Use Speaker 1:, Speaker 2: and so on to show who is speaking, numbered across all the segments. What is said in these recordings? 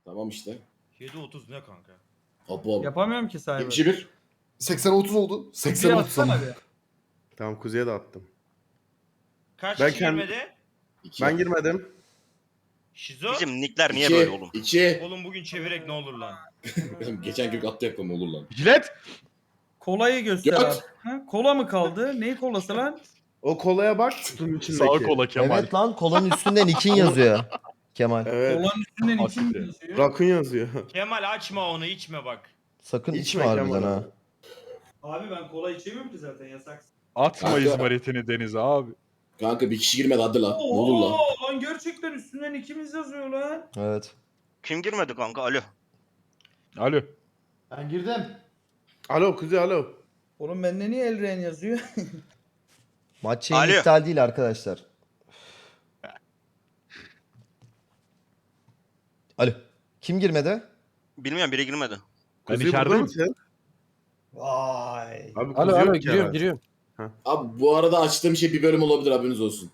Speaker 1: Tamam işte.
Speaker 2: 7.30 ne kanka?
Speaker 1: Abo.
Speaker 3: Yapamıyorum ki Cyber.
Speaker 1: 71.
Speaker 4: 80-30 oldu. 80-30
Speaker 3: Bir
Speaker 4: ama.
Speaker 3: atsana bir.
Speaker 5: Tamam Kuzey'e de attım.
Speaker 2: Kaç
Speaker 5: Ben
Speaker 2: kişi
Speaker 5: kendim-
Speaker 2: girmedi?
Speaker 1: 2.
Speaker 5: Ben girmedim.
Speaker 2: Şizo.
Speaker 6: Bizim nickler niye böyle oğlum?
Speaker 1: 2.
Speaker 2: Oğlum bugün çevirek ne olur lan?
Speaker 1: Geçen gün attı yakalama olur lan.
Speaker 5: Jilet.
Speaker 3: Kolayı göster
Speaker 1: Göt.
Speaker 3: abi. Ha? Kola mı kaldı? Neyi kolası lan?
Speaker 5: O kolaya bak kutunun içindeki.
Speaker 7: Sağ kola Kemal.
Speaker 8: Evet lan kolanın üstünde Nick'in yazıyor. Kemal.
Speaker 5: Evet.
Speaker 3: Kolanın üstünden için mi
Speaker 7: Hakikaten.
Speaker 3: yazıyor?
Speaker 5: Rakun yazıyor.
Speaker 2: Kemal açma onu içme bak.
Speaker 8: Sakın
Speaker 5: İçme
Speaker 8: içme harbiden
Speaker 5: Kemal.
Speaker 8: ha.
Speaker 3: Abi ben kola içemiyorum ki zaten yasak.
Speaker 7: Atma
Speaker 1: Kanka.
Speaker 7: izmaritini denize abi.
Speaker 1: Kanka bir kişi girmedi hadi lan. Ne olur lan.
Speaker 3: Lan gerçekten üstünden ikimiz yazıyor lan.
Speaker 8: Evet.
Speaker 6: Kim girmedi kanka? Alo.
Speaker 7: Alo.
Speaker 4: Ben girdim.
Speaker 5: Alo Kuzey alo.
Speaker 3: Oğlum bende niye Elren yazıyor?
Speaker 8: Maç şeyi
Speaker 6: Alo.
Speaker 8: iptal değil arkadaşlar. Alo. Kim girmedi?
Speaker 6: Bilmiyorum biri girmedi.
Speaker 7: Ben
Speaker 5: Kuzey burada
Speaker 7: içerideyim.
Speaker 5: mısın?
Speaker 3: Vay.
Speaker 5: Abi
Speaker 9: Alo
Speaker 5: Kuzey
Speaker 9: alo
Speaker 5: yok
Speaker 9: giriyorum
Speaker 5: Kemal.
Speaker 9: giriyorum.
Speaker 1: Abi bu arada açtığım şey bir bölüm olabilir haberiniz olsun.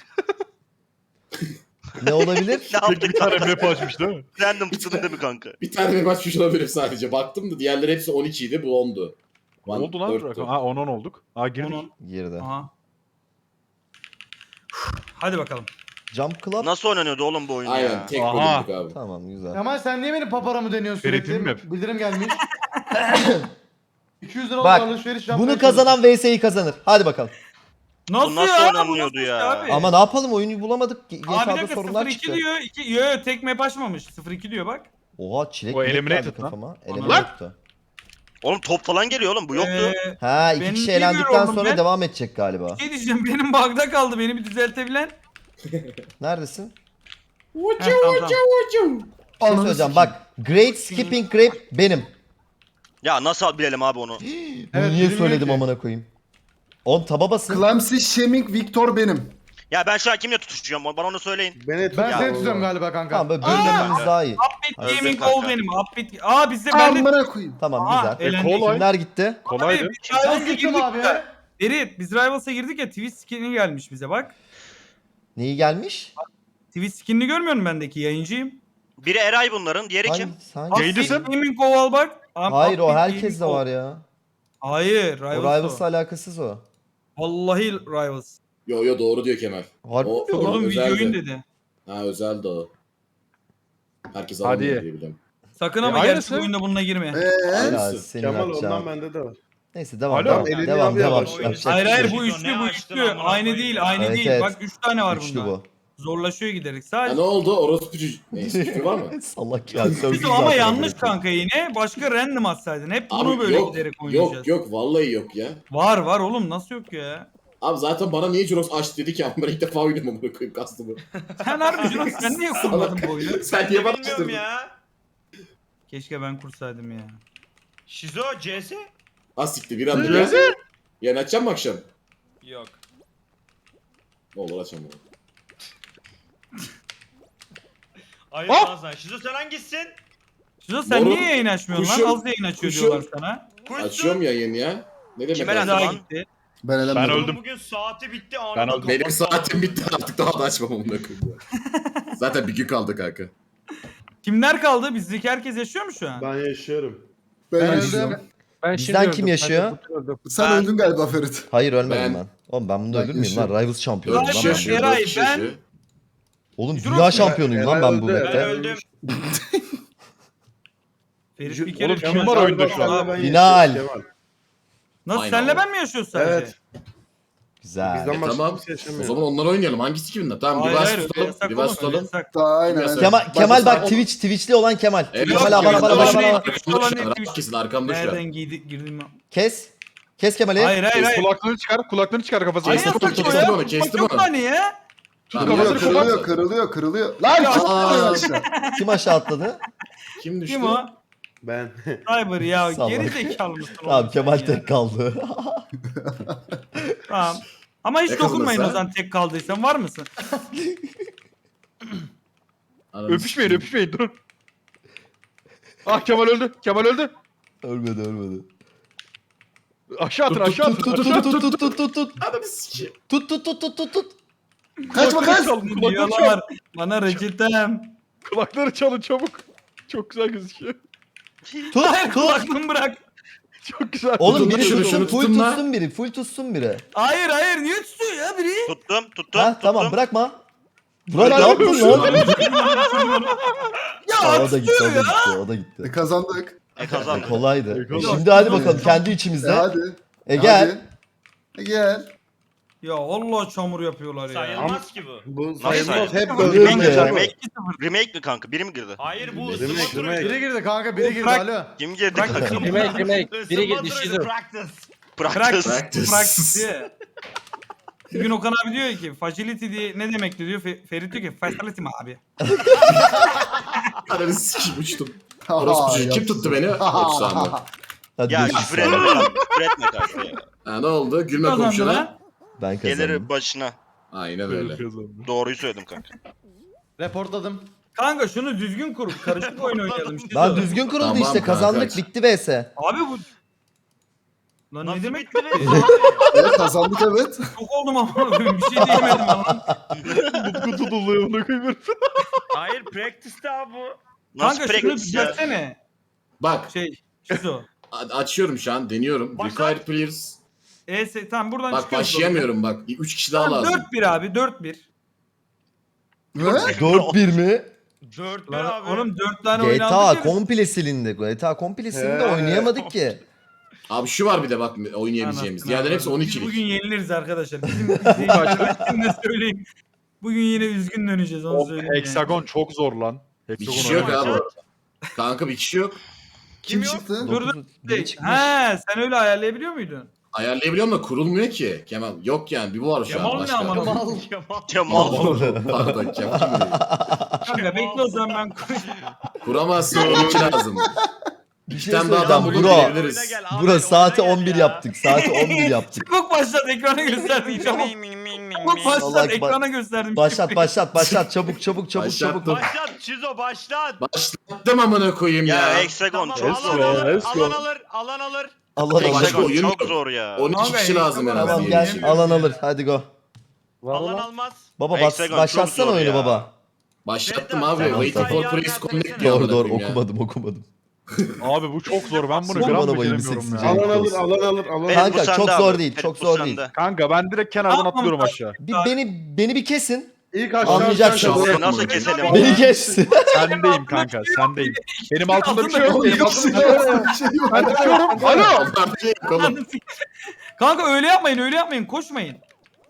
Speaker 8: Ne olabilir?
Speaker 6: Ne
Speaker 7: Tek bir
Speaker 6: yaptık
Speaker 7: tane
Speaker 6: kanka?
Speaker 7: map açmış değil mi?
Speaker 6: Random tutun değil mi kanka?
Speaker 1: Bir tane map açmış olabilirim sadece. Baktım da diğerleri hepsi 12 idi bu 10'du.
Speaker 7: Ne oldu lan? Ha 10-10 olduk. Ha girdik.
Speaker 3: Onun.
Speaker 8: Girdi.
Speaker 3: Aha. Hadi bakalım.
Speaker 8: Jump Club.
Speaker 6: Nasıl oynanıyordu oğlum bu oyun
Speaker 1: Aynen
Speaker 6: ya?
Speaker 1: tek
Speaker 7: Aha.
Speaker 1: bölümdük abi.
Speaker 8: Tamam güzel.
Speaker 4: Kemal sen niye benim paparamı deniyorsun
Speaker 7: Ferit'in
Speaker 4: sürekli?
Speaker 7: mi?
Speaker 4: Bildirim gelmiş. 200 lira
Speaker 8: Bak,
Speaker 4: alışveriş yapmaya
Speaker 8: Bunu kazanan VS'yi kazanır. Hadi bakalım.
Speaker 3: Nasıl,
Speaker 6: Bu nasıl
Speaker 3: ya?
Speaker 6: oynanıyordu
Speaker 3: Bu nasıl
Speaker 6: ya?
Speaker 3: abi?
Speaker 8: Ama ne yapalım oyunu bulamadık.
Speaker 3: Abi bir
Speaker 8: GTA'da
Speaker 3: dakika
Speaker 8: sorunlar
Speaker 3: 0-2
Speaker 8: çıktı.
Speaker 3: diyor. Yo tek map açmamış. 0-2 diyor bak.
Speaker 8: Oha çilek
Speaker 7: O
Speaker 8: milek
Speaker 7: eliminated
Speaker 8: geldi
Speaker 7: lan.
Speaker 8: kafama.
Speaker 3: Lan!
Speaker 8: Eliminated.
Speaker 6: Oğlum top falan geliyor oğlum bu yoktu.
Speaker 8: Ha iki
Speaker 3: Benim
Speaker 8: kişi
Speaker 3: bilmiyorum
Speaker 8: elendikten
Speaker 3: oğlum
Speaker 8: sonra
Speaker 3: ben.
Speaker 8: devam edecek galiba.
Speaker 3: Şey diyeceğim benim bug'da kaldı. Beni bir düzeltebilen.
Speaker 8: Neredesin?
Speaker 3: Heh, tamam.
Speaker 8: Bir şey söyleyeceğim bak. Great Skipping Grape benim.
Speaker 6: Ya nasıl bilelim abi onu?
Speaker 8: Bunu
Speaker 4: Evet,
Speaker 8: niye
Speaker 4: bilmiyorum
Speaker 8: söyledim
Speaker 4: ki.
Speaker 8: amına koyayım? On taba basın.
Speaker 4: Clamsy Shaming Victor benim.
Speaker 6: Ya ben şu an kimle tutuşacağım? Bana onu söyleyin.
Speaker 5: Beni tut.
Speaker 4: Ben
Speaker 6: Ya
Speaker 4: seni
Speaker 6: Allah.
Speaker 4: tutuyorum galiba kanka.
Speaker 8: Tamam böyle bölmemiz daha iyi.
Speaker 3: Upbeat
Speaker 6: Öldüm
Speaker 3: Gaming
Speaker 6: kanka.
Speaker 3: Gold benim. Upbeat. Aa bizde bende.
Speaker 4: Amına koyayım.
Speaker 8: Tamam
Speaker 3: Aa,
Speaker 8: güzel.
Speaker 3: eğlendik.
Speaker 7: kolay.
Speaker 8: Kimler gitti?
Speaker 7: Kolaydı.
Speaker 3: Abi, biz Rivals'a
Speaker 4: Ben gittim
Speaker 3: girdik
Speaker 4: abi
Speaker 3: ya.
Speaker 4: ya.
Speaker 3: Ferit biz Rivals'a girdik ya Twitch skin'i gelmiş bize bak.
Speaker 8: Neyi gelmiş?
Speaker 3: Twitch skin'ini görmüyor musun bendeki yayıncıyım?
Speaker 6: Biri Eray bunların, diğeri kim?
Speaker 8: Hangi?
Speaker 3: Upbeat
Speaker 7: Yayıncısın.
Speaker 3: Gaming Gold bak.
Speaker 8: Hayır o
Speaker 3: Upbeat
Speaker 8: herkes
Speaker 3: Gaming
Speaker 8: de
Speaker 3: Gold.
Speaker 8: var ya.
Speaker 3: Hayır
Speaker 8: O
Speaker 3: Rivals
Speaker 8: Rivals'la
Speaker 3: o.
Speaker 8: alakasız o.
Speaker 3: Vallahi Rivals.
Speaker 1: Yo doğru diyor Kemal.
Speaker 8: Harbi
Speaker 1: O-
Speaker 8: mi diyor lan?
Speaker 3: Oğlum
Speaker 1: özeldi.
Speaker 3: videoyun dedi.
Speaker 1: Ha özeldi o. Herkes
Speaker 7: Hadi.
Speaker 1: alamıyor diye biliyorum.
Speaker 3: Sakın ama
Speaker 7: aynısı.
Speaker 3: gerçek oyunda bununla girme.
Speaker 8: Ya
Speaker 1: Aynısı.
Speaker 8: senin
Speaker 5: Kemal ondan
Speaker 8: yapacağın.
Speaker 5: bende de var.
Speaker 8: Neyse devam
Speaker 7: Alo.
Speaker 8: devam.
Speaker 5: Elini
Speaker 8: Devam
Speaker 5: abi
Speaker 8: devam.
Speaker 5: yavaş.
Speaker 8: Yapacak bir
Speaker 3: Hayır
Speaker 8: şey
Speaker 3: hayır
Speaker 8: yok.
Speaker 3: bu
Speaker 2: Ne
Speaker 3: üçlü bu
Speaker 2: açtın
Speaker 3: üçlü.
Speaker 2: amına
Speaker 3: Aynı
Speaker 2: koyayım
Speaker 3: değil
Speaker 2: ya?
Speaker 3: aynı
Speaker 8: Evet,
Speaker 3: değil.
Speaker 8: evet.
Speaker 3: Bak 3 tane var
Speaker 8: Üçlü
Speaker 3: bunda.
Speaker 8: bu.
Speaker 3: Zorlaşıyor giderek.
Speaker 1: Ha
Speaker 3: Sadece
Speaker 1: ne oldu? Orospu çocuğu. Neyse küfür var mı?
Speaker 8: Salak ya. sövdü
Speaker 3: Bizim ama
Speaker 8: zaten
Speaker 3: yanlış
Speaker 8: amına koyayım.
Speaker 3: kanka yine. Başka random atsaydın. Hep bunu
Speaker 1: Abi
Speaker 3: böyle
Speaker 1: yok,
Speaker 3: giderek oynayacağız.
Speaker 1: yok vallahi yok ya.
Speaker 3: Var oğlum nasıl yok ya?
Speaker 1: Abi zaten bana niye Jurox aç dedi ki ama ben ilk defa oynuyorum amına koyayım kastımı.
Speaker 3: Sen harbi Jurox sen niye kurmadın bu oyunu?
Speaker 1: Sen niye bana
Speaker 2: Bilmiyorum
Speaker 1: açtırdın?
Speaker 2: ya.
Speaker 3: Keşke ben kursaydım ya.
Speaker 2: Şizo CS?
Speaker 1: Ha siktir bir anda ya. Yani açacağım mı akşam?
Speaker 2: Yok.
Speaker 1: Ne olur açamam.
Speaker 2: Hayır
Speaker 7: Hop!
Speaker 2: lan sen. Şizo sen hangisisin?
Speaker 3: Şizo sen
Speaker 1: Moruk,
Speaker 3: niye yayın açmıyorsun
Speaker 1: kuşum,
Speaker 3: lan? Az yayın açıyor
Speaker 1: kuşum.
Speaker 3: diyorlar sana.
Speaker 2: Kuşsun.
Speaker 1: Açıyorum ya yeni ya. Ne demek?
Speaker 6: Kime
Speaker 1: abi?
Speaker 6: lan?
Speaker 3: Daha
Speaker 6: Lan.
Speaker 3: gitti.
Speaker 4: Ben
Speaker 7: Ben
Speaker 4: elemedim.
Speaker 7: öldüm.
Speaker 2: Bugün saati bitti
Speaker 7: Ben
Speaker 2: anında
Speaker 7: öldüm.
Speaker 1: Benim
Speaker 2: kapattı
Speaker 1: saatim
Speaker 2: abi.
Speaker 1: bitti artık daha da açmam amına koyayım. Zaten bir gün kaldı kanka.
Speaker 3: Kimler kaldı? Bizdeki herkes yaşıyor mu şu an?
Speaker 5: Ben yaşıyorum.
Speaker 4: Ben
Speaker 9: Ben
Speaker 4: öldüm.
Speaker 9: Ben
Speaker 8: Bizden
Speaker 9: şimdi
Speaker 8: kim
Speaker 9: öldüm,
Speaker 8: yaşıyor?
Speaker 9: ben de öldüm.
Speaker 4: Sen
Speaker 6: Ben-
Speaker 4: öldün galiba Ferit.
Speaker 8: Hayır ölmedim
Speaker 1: Ben-
Speaker 8: ben. Oğlum ben bunu
Speaker 4: Ben
Speaker 8: öldür müyüm lan?
Speaker 4: yaşıyorum.
Speaker 8: Rivals şampiyonu
Speaker 3: Dört
Speaker 8: lan
Speaker 3: kişi
Speaker 8: ben.
Speaker 3: yaşıyor.
Speaker 8: bu.
Speaker 3: Eray,
Speaker 1: dört kişi
Speaker 3: ben-
Speaker 1: yaşıyor.
Speaker 8: Oğlum
Speaker 3: Jurox
Speaker 8: dünya
Speaker 3: mu?
Speaker 8: şampiyonuyum lan ben bu
Speaker 5: Eray
Speaker 2: Ben
Speaker 8: map'te.
Speaker 2: öldüm.
Speaker 3: Ferit bir kere
Speaker 7: Oğlum kim
Speaker 3: düşmez.
Speaker 7: var oyunda şu an?
Speaker 5: Kemal, ben
Speaker 8: Final.
Speaker 5: yaşıyorum, Kemal.
Speaker 3: Nasıl
Speaker 1: Aynen
Speaker 3: senle
Speaker 1: oğlum.
Speaker 3: ben mi yaşıyoruz sadece?
Speaker 5: Evet.
Speaker 8: Güzel.
Speaker 5: Bizden başka
Speaker 1: Tamam.
Speaker 5: kimse
Speaker 1: O
Speaker 5: yaşamıyor.
Speaker 1: zaman onlar oynayalım. Hangisi kiminle? Tamam
Speaker 3: Hayır
Speaker 1: Rivas
Speaker 3: hayır öyle
Speaker 1: tutalım.
Speaker 3: yasak
Speaker 1: Rivas
Speaker 3: oğlum öyle
Speaker 1: tutalım.
Speaker 3: yasak.
Speaker 4: Daha aynen.
Speaker 1: Biraz-
Speaker 8: Kemal bak
Speaker 1: Bak-
Speaker 8: Twitch'li olan Kemal.
Speaker 1: Evet,
Speaker 8: Kemal
Speaker 1: yok,
Speaker 8: abone
Speaker 1: yok,
Speaker 8: bana
Speaker 1: yok,
Speaker 8: bana
Speaker 1: yok.
Speaker 8: bana.
Speaker 1: Rahat kesin arkamda şu
Speaker 3: Nereden
Speaker 1: an.
Speaker 3: girdim?
Speaker 8: Kes. Kes Kemal'i.
Speaker 3: Hayır hayır hayır.
Speaker 7: Kulaklığını çıkar kafasına.
Speaker 3: Hayır
Speaker 1: Kestim
Speaker 3: yasak
Speaker 1: onu,
Speaker 3: o
Speaker 1: kestim
Speaker 3: ya.
Speaker 1: onu, kestim
Speaker 3: Yok
Speaker 1: onu.
Speaker 3: hani ya.
Speaker 1: Tamam,
Speaker 4: Kırılıyor,
Speaker 1: yapacak
Speaker 4: kırılıyor,
Speaker 1: şey
Speaker 4: kırılıyor, kırılıyor. Lan
Speaker 3: Ya.
Speaker 4: çok kırılıyor aşağı.
Speaker 8: Kim aşağı atladı?
Speaker 1: Kim düştü?
Speaker 3: Kim o?
Speaker 5: Ben.
Speaker 3: Cyber ya
Speaker 8: Salak.
Speaker 3: geri zekalı mısın?
Speaker 8: Tamam
Speaker 3: oğlum
Speaker 8: Kemal
Speaker 3: sen ya?
Speaker 8: tek kaldı.
Speaker 3: Tamam. Ama hiç
Speaker 1: Ne
Speaker 3: dokunmayın o
Speaker 1: kazanırsa?
Speaker 3: zaman tek kaldıysan var mısın?
Speaker 1: Ananı
Speaker 7: Öpüşmeyin
Speaker 1: sikeyim.
Speaker 7: öpüşmeyin durun. Ah Kemal öldü. Kemal öldü.
Speaker 8: Ölmedi ölmedi.
Speaker 7: Aşağı atın aşağı atın.
Speaker 8: Tut
Speaker 7: aşağı
Speaker 8: tut
Speaker 7: atın.
Speaker 8: tut tut tut tut.
Speaker 1: Ananı sikeyim.
Speaker 8: Tut tut tut tut tut tut.
Speaker 4: Kaçma kaç.
Speaker 7: Kulakları çalın, kulakları çalın.
Speaker 3: Diyorlar bana reçetem.
Speaker 7: Kulakları çalın çabuk. Çok güzel gözüküyor.
Speaker 8: Tut
Speaker 3: Hayır
Speaker 8: tut.
Speaker 3: kulaklığımı bırak.
Speaker 7: Çok güzel.
Speaker 8: Oğlum
Speaker 1: Tutun
Speaker 8: biri
Speaker 1: şunu,
Speaker 8: tutsun,
Speaker 1: şunu
Speaker 8: full
Speaker 1: tutun lan.
Speaker 8: tutsun biri. Full tutsun biri.
Speaker 3: Hayır hayır niye tutuyor ya biri?
Speaker 6: Tuttum.
Speaker 8: Ha tamam bırakma. Burak ne
Speaker 6: Bırak.
Speaker 8: yaptın lan?
Speaker 3: Ya
Speaker 8: Aa, o da gitti, o da
Speaker 3: tutuyor ya.
Speaker 8: gitti, o da gitti.
Speaker 4: Kazandık.
Speaker 6: Kazandı.
Speaker 8: Kolaydı.
Speaker 7: Kolay.
Speaker 8: Şimdi hadi bakalım kendi içimizde.
Speaker 4: Hadi.
Speaker 8: Gel.
Speaker 4: Gel.
Speaker 3: Ya Allah çamur yapıyorlar ya.
Speaker 2: Sayılmaz ki bu.
Speaker 5: Bu
Speaker 6: Nasıl
Speaker 5: sayılmaz. Hep
Speaker 8: sayılmaz?
Speaker 5: böyle.
Speaker 8: Remake ya.
Speaker 6: Remake mi kanka? Biri mi girdi?
Speaker 2: Hayır bu
Speaker 5: Remake,
Speaker 2: ısınma turuydu.
Speaker 5: remake.
Speaker 4: Biri girdi kanka, biri girdi.
Speaker 3: Bırak.
Speaker 4: Alo.
Speaker 6: Kim girdi
Speaker 3: Bırak
Speaker 6: kanka?
Speaker 3: bakayım.
Speaker 9: Remake. Biri
Speaker 2: Isınma
Speaker 9: düştü.
Speaker 2: turuydu, practice.
Speaker 6: Practice.
Speaker 3: Practice diye. Bir gün Okan abi diyor ki facility diye ne demekti diyor. Ferit diyor ki facility mi abi?
Speaker 1: Ananı sikeyim uçtum. Orospu çocuğu. Kim tuttu beni? Yoksa
Speaker 8: Hadi
Speaker 6: Ya
Speaker 8: görüşürüz
Speaker 6: küfür
Speaker 8: sonra.
Speaker 6: etme kanka. Küfür etme kanka ya.
Speaker 1: Ha ne oldu? Gülme
Speaker 3: Kazandı
Speaker 1: komşuna.
Speaker 3: lan.
Speaker 8: Ben
Speaker 6: Gelir
Speaker 8: kazandım.
Speaker 6: başına.
Speaker 1: Aynen öyle.
Speaker 6: Doğruyu söyledim kanka.
Speaker 4: Reportladım.
Speaker 3: Kanka şunu düzgün kur. Karışık oyun oynayalım. Şizo.
Speaker 8: Lan düzgün kuruldu
Speaker 1: Tamam
Speaker 8: işte
Speaker 1: kanka.
Speaker 8: kazandık bitti vs.
Speaker 3: Abi bu... Lan
Speaker 2: Nasıl
Speaker 3: ne demek?
Speaker 2: bitti be?
Speaker 4: Evet kazandık evet.
Speaker 3: Çok oldum ama bir şey diyemedim lan.
Speaker 7: Utku tutuluyor bunu koyuyorum.
Speaker 2: Hayır practice'te abi bu.
Speaker 6: Nasıl
Speaker 3: Kanka şunu
Speaker 6: practice ya?
Speaker 3: düzeltsene.
Speaker 1: Bak
Speaker 3: Şizo.
Speaker 1: açıyorum şu an deniyorum.
Speaker 2: Başla.
Speaker 1: Required players.
Speaker 3: Tamam buradan
Speaker 1: Bak
Speaker 3: çıkıyoruz.
Speaker 1: başlayamıyorum bak. 3 kişi daha
Speaker 3: Tamam,
Speaker 1: lazım.
Speaker 3: 4-1 abi 4-1.
Speaker 4: Ne?
Speaker 8: 4-1 mi?
Speaker 2: 4
Speaker 3: Lan
Speaker 2: abi.
Speaker 3: oğlum 4 tane
Speaker 8: GTA
Speaker 3: oynandık ya.
Speaker 8: komple silindi. GTA komple silindi
Speaker 5: He.
Speaker 8: oynayamadık ki.
Speaker 1: Abi şu var bir de bak oynayabileceğimiz.
Speaker 3: Anasını
Speaker 1: Diğerleri hepsi
Speaker 3: avradım.
Speaker 1: 12'lik.
Speaker 3: Biz bugün yeniliriz arkadaşlar. Bizim izleyicilerime de söyleyeyim. Bugün yine üzgün döneceğiz onu
Speaker 7: Of,
Speaker 3: söyleyeyim.
Speaker 7: hexagon çok zor lan.
Speaker 1: Bir
Speaker 7: Hexagon
Speaker 1: kişi yok
Speaker 7: oynamak.
Speaker 1: abi. Kanka bir kişi yok.
Speaker 4: Kim
Speaker 2: yok?
Speaker 4: çıktı?
Speaker 3: Dur dur.
Speaker 8: Biri çıkmış.
Speaker 3: He sen öyle ayarlayabiliyor muydun?
Speaker 1: Ayarlayabiliyorum da kurulmuyor ki. Kemal yok yani bir bu var şu an
Speaker 3: Kemal ne
Speaker 1: başka.
Speaker 3: aman
Speaker 2: Kemal.
Speaker 6: Kemal.
Speaker 1: Pardon Kemal kim dedi?
Speaker 3: Kanka bekle o zaman ben
Speaker 1: Kuramazsın onun için lazım.
Speaker 8: Bir
Speaker 1: Bir
Speaker 8: şey
Speaker 1: tane daha
Speaker 8: söyleyeceğim
Speaker 1: adam
Speaker 8: bro.
Speaker 1: bulup girebiliriz.
Speaker 2: Oyuna gel,
Speaker 8: Bura
Speaker 2: Ahmet,
Speaker 8: saati
Speaker 2: oyuna gel
Speaker 8: 11
Speaker 2: ya.
Speaker 8: yaptık. Saati 11 yaptık.
Speaker 3: Çabuk başlat ekrana gösterdim çabuk. Çabuk başlat
Speaker 8: Salak bak.
Speaker 3: ekrana gösterdim.
Speaker 8: Başlat başlat başlat çabuk çabuk çabuk
Speaker 1: Başlattım.
Speaker 8: çabuk.
Speaker 2: Başlat Çizo başlat.
Speaker 1: Başlattım amına koyayım
Speaker 6: Ya
Speaker 1: ya.
Speaker 6: hexagon
Speaker 2: Tamam
Speaker 6: çok zor.
Speaker 2: alan alır,
Speaker 7: let's go.
Speaker 2: alan alır, alan alır.
Speaker 8: Allah Allah.
Speaker 1: Başka
Speaker 6: Hexagon
Speaker 1: oyun
Speaker 6: çok
Speaker 1: yok.
Speaker 6: zor ya.
Speaker 1: 12
Speaker 3: Kanka,
Speaker 1: kişi lazım en
Speaker 3: Tamam,
Speaker 1: az.
Speaker 8: Tamam
Speaker 1: diye
Speaker 8: gel
Speaker 1: düşünüyorum.
Speaker 8: alan alır hadi go.
Speaker 2: Alan almaz.
Speaker 8: Baba
Speaker 6: Hexagon çok
Speaker 8: başlatsana
Speaker 6: zor
Speaker 8: oyunu
Speaker 6: ya.
Speaker 8: baba.
Speaker 1: Başlattım
Speaker 2: Tamam,
Speaker 1: abi.
Speaker 8: tamam,
Speaker 1: Waiting
Speaker 8: tamam.
Speaker 1: for praise connect diyor
Speaker 8: Doğru
Speaker 1: amına
Speaker 8: doğru
Speaker 1: koyayım ya.
Speaker 8: okumadım.
Speaker 7: Abi bu çok zor. Ben bunu
Speaker 8: Son
Speaker 7: gram
Speaker 8: bana bayıldı
Speaker 7: beceremiyorum
Speaker 8: seksi
Speaker 7: ya.
Speaker 8: Cenk.
Speaker 5: Alan alır, alan alır, alan alır.
Speaker 6: Ferit,
Speaker 8: Kanka,
Speaker 6: bu sende
Speaker 8: çok
Speaker 6: abi.
Speaker 8: zor değil,
Speaker 6: Ferit,
Speaker 8: çok
Speaker 6: bu
Speaker 8: zor
Speaker 6: sende.
Speaker 8: değil.
Speaker 7: Kanka ben direkt kenardan
Speaker 3: Tamam,
Speaker 7: atlıyorum
Speaker 3: tamam.
Speaker 7: aşağı.
Speaker 8: Beni bir kesin.
Speaker 5: İlk aşağı
Speaker 8: Anlayacaksın.
Speaker 5: aşağı-
Speaker 1: Şahsen
Speaker 6: Nasıl
Speaker 1: bunu.
Speaker 6: keselim?
Speaker 8: Beni kes.
Speaker 7: Sendeyim kanka sendeyim. Benim altımda bir şey yok.
Speaker 3: Altında
Speaker 7: Benim altımda bir şey yok. Ben tutuyorum. Alo.
Speaker 1: Onlar bir şey yok oğlum.
Speaker 3: Kanka öyle yapmayın koşmayın.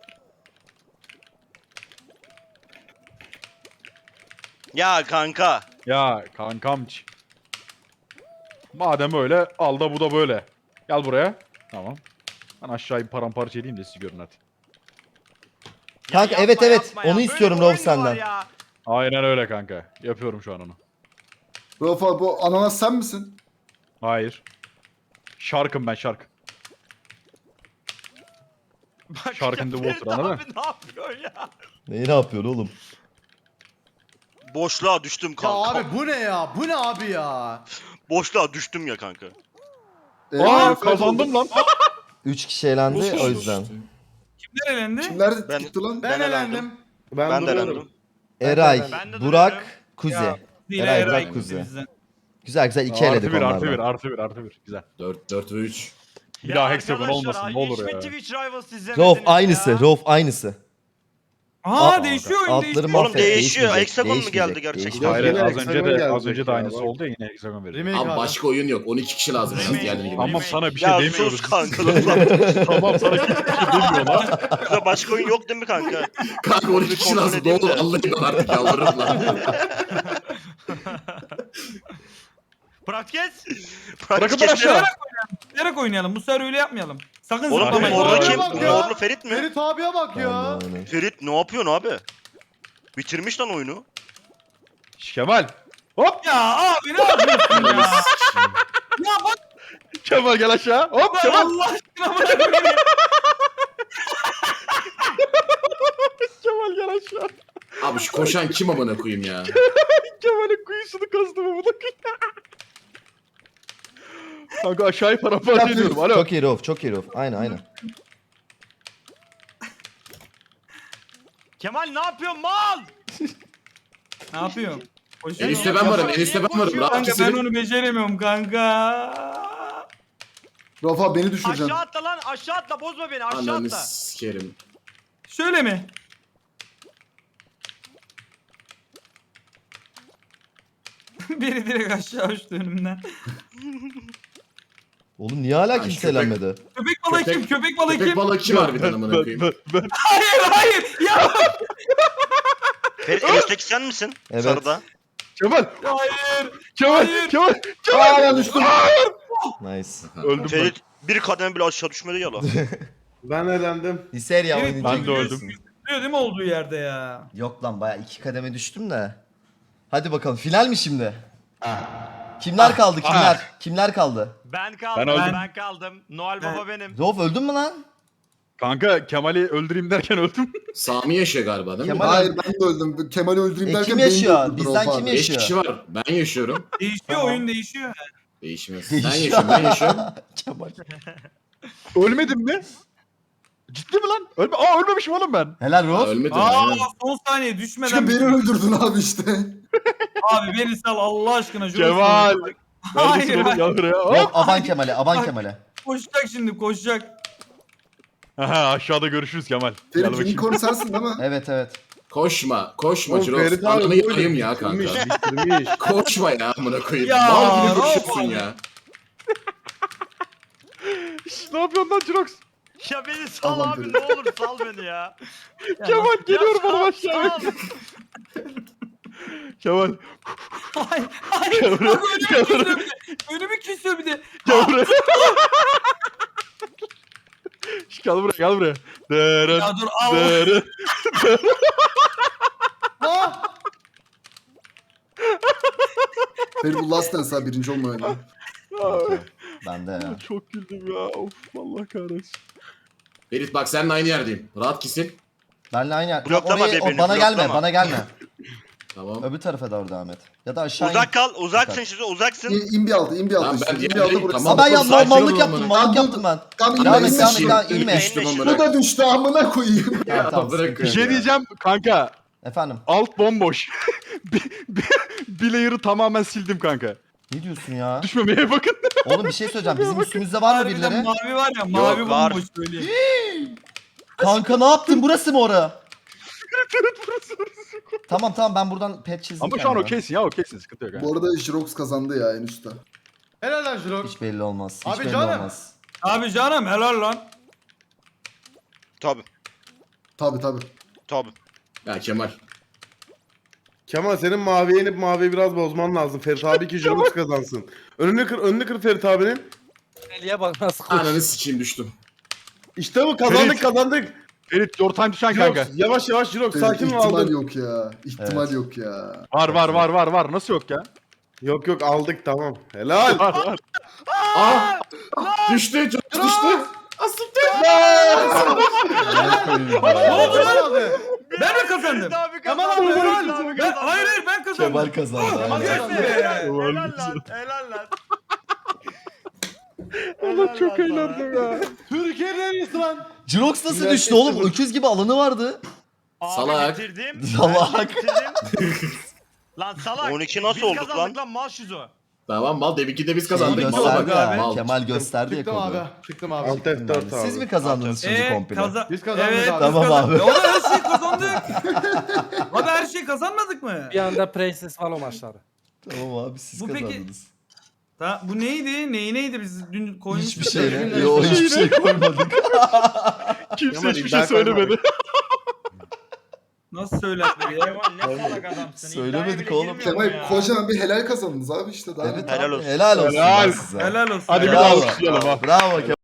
Speaker 6: Ya kanka.
Speaker 7: Ya kankamç. Madem öyle al da bu da böyle. Gel buraya. Tamam. Ben aşağıyı paramparça edeyim de siz görün hadi.
Speaker 8: Kanka
Speaker 2: Ya
Speaker 8: evet
Speaker 2: yapma,
Speaker 8: evet
Speaker 2: yapma ya.
Speaker 8: onu
Speaker 2: Böyle
Speaker 8: istiyorum
Speaker 2: bir oyun
Speaker 8: Rauf
Speaker 2: mu var
Speaker 8: senden.
Speaker 2: ya?
Speaker 7: Aynen öyle kanka. Yapıyorum şu an onu.
Speaker 4: Rafa bu ananas sen misin?
Speaker 7: Hayır. Şarkım ben şark.
Speaker 2: Bak
Speaker 7: Shark in the
Speaker 2: ya,
Speaker 7: water, anladın
Speaker 2: Abi ne yapıyor ya?
Speaker 8: Neyi ne yapıyor oğlum?
Speaker 6: Boşluğa düştüm kanka.
Speaker 4: bu ne ya? Bu ne abi ya?
Speaker 6: Boşluğa düştüm ya kanka.
Speaker 7: Aa kazandım lan.
Speaker 8: 3 kişi elendi o yüzden.
Speaker 3: Kimler elendi?
Speaker 4: Kimler
Speaker 6: Ben-
Speaker 4: gitti lan?
Speaker 6: Ben elendim.
Speaker 5: Ben
Speaker 6: Ben de
Speaker 5: duruyorum.
Speaker 6: elendim.
Speaker 8: Eray,
Speaker 2: Ben de
Speaker 8: Burak,
Speaker 2: duruyorum.
Speaker 8: Kuzi.
Speaker 3: Yine
Speaker 8: Eray,
Speaker 3: Eray
Speaker 8: Burak,
Speaker 3: gitti
Speaker 8: Kuzi.
Speaker 3: bizden.
Speaker 8: Güzel güzel 2 eledik
Speaker 7: Artı bir artı bir
Speaker 8: onlardan.
Speaker 7: artı bir artı bir. Güzel.
Speaker 1: 4 ve 3.
Speaker 7: Bir
Speaker 2: Ya
Speaker 7: daha hexagon
Speaker 2: arkadaşlar,
Speaker 7: olmasın ne olur
Speaker 2: hiç mi
Speaker 7: ya.
Speaker 2: Twitch Rivals izlemediniz
Speaker 8: Rauf
Speaker 2: ya?
Speaker 8: aynısı, Rauf aynısı.
Speaker 3: Aa değişiyor oyun
Speaker 8: Altları
Speaker 3: değişiyor.
Speaker 8: mahvet,
Speaker 6: Oğlum değişiyor.
Speaker 8: değişmeyecek,
Speaker 6: Hexagon mu
Speaker 8: değişmeyecek,
Speaker 6: geldi gerçekten?
Speaker 8: değişmeyecek.
Speaker 7: Hayır
Speaker 5: Yine
Speaker 7: az
Speaker 5: hexagon
Speaker 7: önce de
Speaker 5: gelecek ya,
Speaker 7: aynısı
Speaker 5: bak.
Speaker 7: oldu ya yine hexagon verir.
Speaker 1: Abi başka oyun yok. 12 kişi lazım.
Speaker 2: Remake,
Speaker 1: Diğerleri gibi.
Speaker 7: Tamam sana bir şey
Speaker 6: Ya
Speaker 7: demiyoruz.
Speaker 6: sus kanka.
Speaker 7: Tamam sana bir şey demiyorlar.
Speaker 6: Burada başka oyun yok değil mi kanka?
Speaker 1: Kanka 12 kişi
Speaker 6: Kontrol
Speaker 1: lazım. Ne
Speaker 6: edeyim
Speaker 1: olur
Speaker 6: de.
Speaker 1: Allah'ım artık yalvarırım lan.
Speaker 2: Practice.
Speaker 7: Bırakın ben aşağı.
Speaker 3: Bilerek oynayalım. Bu sefer öyle yapmayalım. Sakın
Speaker 6: Oğlum bu
Speaker 3: zıplamayın.
Speaker 6: morlu
Speaker 4: Morluya
Speaker 6: kim?
Speaker 4: bak ya.
Speaker 6: Morlu Ferit mi?
Speaker 4: Ferit abiye bak ya.
Speaker 8: Aynen, aynen.
Speaker 6: Ferit ne yapıyorsun abi? Bitirmiş lan oyunu.
Speaker 7: Kemal. Hop.
Speaker 3: Ya abi ne yapıyorsun ya? Ya bak
Speaker 7: Kemal gel aşağı. Hop
Speaker 3: ben
Speaker 7: Kemal.
Speaker 3: Allah aşkına bırak beni.
Speaker 7: Kemal gel aşağı.
Speaker 1: Abi şu koşan kim amına koyayım ya?
Speaker 7: Kemal'in kuyusunu kazdım ama bakın. Kanka aşağıyı paramparça ediyorum. Alo.
Speaker 8: Çok iyi Rauf, çok iyi Rauf. Aynen aynen.
Speaker 2: Kemal ne yapıyorsun mal?
Speaker 3: Ne yapıyorsun? Koşuyor
Speaker 1: En üstte
Speaker 3: mu?
Speaker 1: ben varım. En üstte ben varım. Rahat
Speaker 3: Kanka ben
Speaker 1: keselim.
Speaker 3: onu beceremiyorum kanka.
Speaker 4: Rafa beni düşüreceksin.
Speaker 2: Aşağı atla lan aşağı atla bozma beni aşağı
Speaker 1: Ananı
Speaker 2: atla.
Speaker 1: sikerim.
Speaker 3: Şöyle mi? Biri direkt aşağı uçtu önümden.
Speaker 8: Oğlum niye hala
Speaker 1: Ay,
Speaker 8: kimse
Speaker 1: köpek-
Speaker 8: eğlenmedi?
Speaker 3: Köpek balığı
Speaker 1: Köpek-
Speaker 3: kim? Köpek balığı
Speaker 1: Köpek
Speaker 3: kim?
Speaker 1: balığı kim harbiden amına koyayım?
Speaker 3: Hayır hayır. Ya
Speaker 6: Ferit en üstteki sen misin?
Speaker 8: Evet.
Speaker 6: Sarıda.
Speaker 7: Kemal.
Speaker 3: hayır.
Speaker 7: Kemal.
Speaker 3: Hayır.
Speaker 7: Kemal.
Speaker 4: Aa ben düştüm.
Speaker 8: Nice.
Speaker 7: Öldüm ben.
Speaker 6: Ferit bir kademe bile aşağı düşmedi ya lan.
Speaker 5: Ben eğlendim.
Speaker 8: Liserya
Speaker 3: Evet,
Speaker 8: oynayınca
Speaker 7: ben de öldüm.
Speaker 8: görüyorsun.
Speaker 3: Biliyor değil mi olduğu yerde ya?
Speaker 8: Yok lan baya 2 kademe düştüm de. Hadi bakalım final mi şimdi? Kimler kaldı kimler? Kimler kaldı?
Speaker 2: Ben kaldım
Speaker 7: Ben öldüm.
Speaker 2: ben kaldım. Noel Baba benim.
Speaker 8: Zof öldün mü lan?
Speaker 7: Kanka Kemal'i öldüreyim derken öldüm.
Speaker 1: Sami yaşıyor galiba değil mi?
Speaker 8: Kemal-
Speaker 4: Hayır ben de öldüm. Kemal'i öldüreyim derken
Speaker 8: kim
Speaker 4: beni
Speaker 8: yaşıyor?
Speaker 4: öldürdü
Speaker 8: Bizden
Speaker 4: Rafa.
Speaker 8: kim
Speaker 1: 5
Speaker 8: yaşıyor?
Speaker 1: kişi var. Ben yaşıyorum.
Speaker 3: Değişiyor oyun değişiyor.
Speaker 1: Değişmez.
Speaker 8: Değişiyor.
Speaker 1: Ben yaşıyorum. Ben yaşıyorum.
Speaker 8: Kemal.
Speaker 7: Ölmedim mi? Ciddi mi lan? Ölmemişim oğlum ben.
Speaker 8: Helal
Speaker 1: Aa,
Speaker 8: Rof.
Speaker 1: ölmedim.
Speaker 3: Aa
Speaker 1: aynen.
Speaker 3: son saniye düşmeden.
Speaker 4: Çünkü beni öldürdün abi işte.
Speaker 3: Abi beni sal Allah aşkına. Jules.
Speaker 7: Kemal.
Speaker 3: Hayır,
Speaker 7: Neredesin oğlum?
Speaker 3: hayır.
Speaker 7: Gel buraya.
Speaker 8: Rof
Speaker 7: Hop.
Speaker 8: aban Kemal'e aban Kemal'e.
Speaker 3: Koşacak şimdi koşacak.
Speaker 7: Aha, aşağıda görüşürüz Kemal. Gel
Speaker 4: Ferit
Speaker 7: bakayım.
Speaker 4: unicorn sensin değil mi?
Speaker 8: Evet evet.
Speaker 1: Koşma. Koşma
Speaker 5: Oğlum
Speaker 1: Jirox.
Speaker 5: Ferit abi
Speaker 1: Ananı
Speaker 5: böyle
Speaker 1: yakayım ya kanka.
Speaker 5: bitirmiş.
Speaker 1: Koşma ya amına koyayım.
Speaker 3: Ya,
Speaker 1: Mal gibi
Speaker 3: Rafa
Speaker 1: koşuyorsun
Speaker 3: abi.
Speaker 1: ya.
Speaker 7: Şş, ne yapıyorsun lan Jirox?
Speaker 2: Ya beni sal
Speaker 4: Tamam,
Speaker 2: abi
Speaker 4: Ferit.
Speaker 2: ne olur sal beni ya.
Speaker 7: Kemal geliyorum
Speaker 2: Ya
Speaker 7: oğlum
Speaker 2: sal,
Speaker 7: aşağıya.
Speaker 2: sal.
Speaker 7: Kemal.
Speaker 3: Hayır hayır.
Speaker 7: Gel buraya.
Speaker 3: Bak
Speaker 7: Gel
Speaker 3: önümü
Speaker 7: buraya.
Speaker 3: kesiyor bir de. Önümü kesiyor bir de.
Speaker 7: Gel buraya. Şş, gel buraya gel buraya. Dırın.
Speaker 3: Ya dur al.
Speaker 7: Dırın.
Speaker 4: Ferit bu last dance ha birinci olma öyle.
Speaker 8: Ben de ya.
Speaker 7: Çok güldüm ya. Of Allah kahretsin.
Speaker 1: Ferit bak seninle aynı yerdeyim. Rahat kesin.
Speaker 8: Benle aynı yer.
Speaker 6: Bloklama
Speaker 8: Orayı,
Speaker 6: birbirini,
Speaker 8: bana gelme
Speaker 6: bloklama.
Speaker 8: bana gelme.
Speaker 1: Tamam.
Speaker 8: Öbür tarafa doğru devam et. Ya da aşağı
Speaker 6: Uzak
Speaker 8: in.
Speaker 6: kal, uzaksın şimdi, uzaksın.
Speaker 4: İn bir altı, in bir altı.
Speaker 1: Tamam,
Speaker 4: işte.
Speaker 1: ben
Speaker 4: İn bir
Speaker 1: diğer
Speaker 4: altı
Speaker 1: değilim,
Speaker 4: burası.
Speaker 1: tamam.
Speaker 8: Aa ben ya
Speaker 1: Sakin
Speaker 8: mallık
Speaker 1: ol
Speaker 8: yaptım
Speaker 1: amına.
Speaker 8: mallık
Speaker 4: Tamam,
Speaker 8: yaptım ben.
Speaker 4: Tamam
Speaker 8: Devam
Speaker 4: inme
Speaker 8: et
Speaker 4: inme
Speaker 8: devam et
Speaker 4: şimdi.
Speaker 8: devam inme.
Speaker 1: Düştüm
Speaker 6: İnme,
Speaker 1: amına.
Speaker 4: Bu da düştü amına koyayım.
Speaker 8: Tamam,
Speaker 1: Ya
Speaker 8: tamam,
Speaker 1: bırakın.
Speaker 8: sıkıntı
Speaker 7: Bir
Speaker 8: yok.
Speaker 7: şey diyeceğim kanka.
Speaker 8: Efendim
Speaker 7: Alt bomboş. bir layer'ı tamamen sildim kanka.
Speaker 8: ne diyorsun ya?
Speaker 7: Düşmemeye bakın.
Speaker 8: Oğlum bir şey söyleyeceğim. Bizim üstümüzde var mı
Speaker 3: Harbiden
Speaker 8: birileri?
Speaker 3: mavi var ya mavi
Speaker 6: var.
Speaker 3: bomboş söyleyeyim.
Speaker 8: Kanka ne yaptın? Burası mı ora? Tamam tamam ben buradan pet çizdim.
Speaker 7: Ama şu an
Speaker 8: kendime.
Speaker 7: okeysin ya okeysin sıkıntı yok.
Speaker 4: Bu arada Jirox kazandı ya en üstte.
Speaker 2: Helal lan Jirok.
Speaker 8: Hiç belli olmaz. Hiç
Speaker 2: Abi
Speaker 8: belli
Speaker 2: canım.
Speaker 8: olmaz.
Speaker 3: Abi canım helal lan.
Speaker 6: Tabi,
Speaker 4: Tabi tabi.
Speaker 6: tabi.
Speaker 1: Ya Kemal.
Speaker 5: Kemal senin maviye inip maviyi biraz bozman lazım. Ferit abi ki Jirox kazansın. Önünü kır Ferit abinin.
Speaker 9: Eliye bak nasıl koş.
Speaker 1: Ananı sikeyim düştüm.
Speaker 5: İşte bu kazandık
Speaker 7: Ferit.
Speaker 5: kazandık.
Speaker 7: Ferit your time to shine
Speaker 5: Jirox
Speaker 7: kanka.
Speaker 5: yavaş yavaş Jirox
Speaker 4: Ferit,
Speaker 5: sakin ol
Speaker 4: ihtimal
Speaker 5: aldık.
Speaker 4: yok ya. İhtimal
Speaker 8: Evet.
Speaker 4: yok ya.
Speaker 7: Var. Nasıl yok ya?
Speaker 5: Yok aldık tamam. Helal.
Speaker 7: Var.
Speaker 1: Aa! Düştü. Çok düştü.
Speaker 3: Ne oldu lan? Ben mi kazandım?
Speaker 2: Abi
Speaker 3: Tamam
Speaker 2: kazandı.
Speaker 3: abi,
Speaker 2: Helal
Speaker 3: helal.
Speaker 2: abi
Speaker 3: Ben,
Speaker 2: kazandı.
Speaker 3: hayır ben kazandım.
Speaker 8: Kemal kazandı.
Speaker 3: Kemal
Speaker 8: aynen.
Speaker 3: kazandı.
Speaker 2: Helal lan. Helal lan.
Speaker 7: Allah çok eğlendim ya.
Speaker 5: Türkiye'nin en iyisi lan.
Speaker 8: Jirox nasıl
Speaker 5: Güzel
Speaker 8: düştü oğlum?
Speaker 5: seçtim.
Speaker 8: Öküz gibi alanı vardı.
Speaker 2: Abi
Speaker 1: Salak.
Speaker 2: bitirdim.
Speaker 8: Salak.
Speaker 2: Ben bitirdim. Lan salak.
Speaker 6: 12 nasıl
Speaker 2: Biz
Speaker 6: olduk
Speaker 2: kazandık lan mal şizo.
Speaker 1: Tamam mal deminki de biz
Speaker 8: Şey
Speaker 1: kazandık. Mala
Speaker 8: gösterdi
Speaker 1: bak.
Speaker 8: abi.
Speaker 1: Mal.
Speaker 8: Kemal gösterdi ya kodu.
Speaker 9: Çıktım abi.
Speaker 5: Alt F4 abi.
Speaker 8: Siz mi kazandınız şimdi komple?
Speaker 9: Biz kazandık
Speaker 3: Evet,
Speaker 9: abi.
Speaker 8: Tamam
Speaker 3: biz kazandık.
Speaker 8: abi.
Speaker 3: Ya oğlum her şeyi kazandık. Abi her şeyi kazanmadık mı?
Speaker 9: Bir anda Princess Valo maçları.
Speaker 8: Tamam abi siz
Speaker 3: Bu peki-
Speaker 8: kazandınız.
Speaker 3: Bu neydi? Neydi biz dün koymuştuk.
Speaker 8: Hiçbir
Speaker 3: da
Speaker 8: şey.
Speaker 3: günler
Speaker 8: Yo
Speaker 3: sonra.
Speaker 8: hiçbir şey koymadık.
Speaker 7: Kimse
Speaker 5: Kemal,
Speaker 7: hiçbir
Speaker 5: iddia
Speaker 7: şey söylemedi.
Speaker 3: Nasıl söylenmedi ya?
Speaker 2: Kemal ne salak adamsın.
Speaker 8: Söylemedik
Speaker 2: İddiaya bile
Speaker 8: oğlum.
Speaker 2: girmiyorum
Speaker 4: Kemal
Speaker 2: ya.
Speaker 4: kocaman bir helal kazandınız abi işte daha.
Speaker 8: Evet
Speaker 6: Helal
Speaker 8: abi,
Speaker 6: olsun.
Speaker 8: helal olsun.
Speaker 7: Helal.
Speaker 8: lan size.
Speaker 3: Helal olsun.
Speaker 7: Hadi bir
Speaker 8: Bravo.
Speaker 7: alkışlayalım ha.
Speaker 8: Bravo Kemal.